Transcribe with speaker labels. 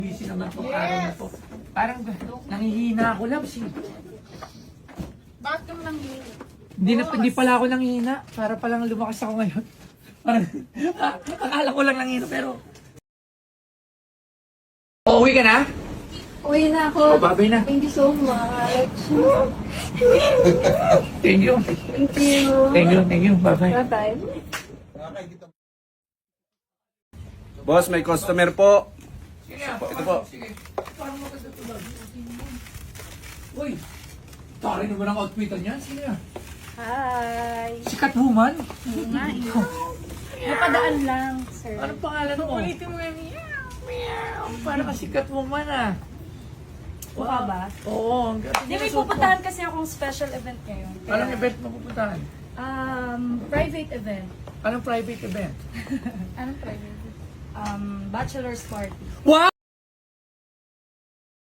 Speaker 1: Busy naman itong araw na to. Parang nangihina ako, Labs.
Speaker 2: Bakit kang nanghihina?
Speaker 1: Hindi pala ako nanghihina. Para palang lumakas ako ngayon. Parang, akala ko lang nanghihina, pero... Uuwi ka na?
Speaker 2: Uwi na ako.
Speaker 1: Babay na.
Speaker 2: Thank you so much.
Speaker 1: Thank you.
Speaker 2: Thank you.
Speaker 1: Thank you. Bye-bye.
Speaker 2: Bye-bye.
Speaker 3: Boss, may customer po.
Speaker 1: Sige,
Speaker 3: Ito po.
Speaker 1: Sige. Parang maganda ito ba? Uy, tari naman ang outfitan niyan. Sige na.
Speaker 2: Hi.
Speaker 1: Sikat woman?
Speaker 2: Oo nga eh. Napadaan lang, sir.
Speaker 1: Anong pangalan mo?
Speaker 2: Ulitin mo yan.
Speaker 1: Parang kasikat woman ah.
Speaker 2: Mukha ba?
Speaker 1: Oo. Ang ganda
Speaker 2: Hindi, may
Speaker 1: ng suot mo.
Speaker 2: pupuntahan kasi akong special event ngayon. Kaya,
Speaker 1: Anong event mo pupuntahan?
Speaker 2: Private event.
Speaker 1: Anong private event?
Speaker 2: Anong private event? Bachelor's party.
Speaker 1: Wow!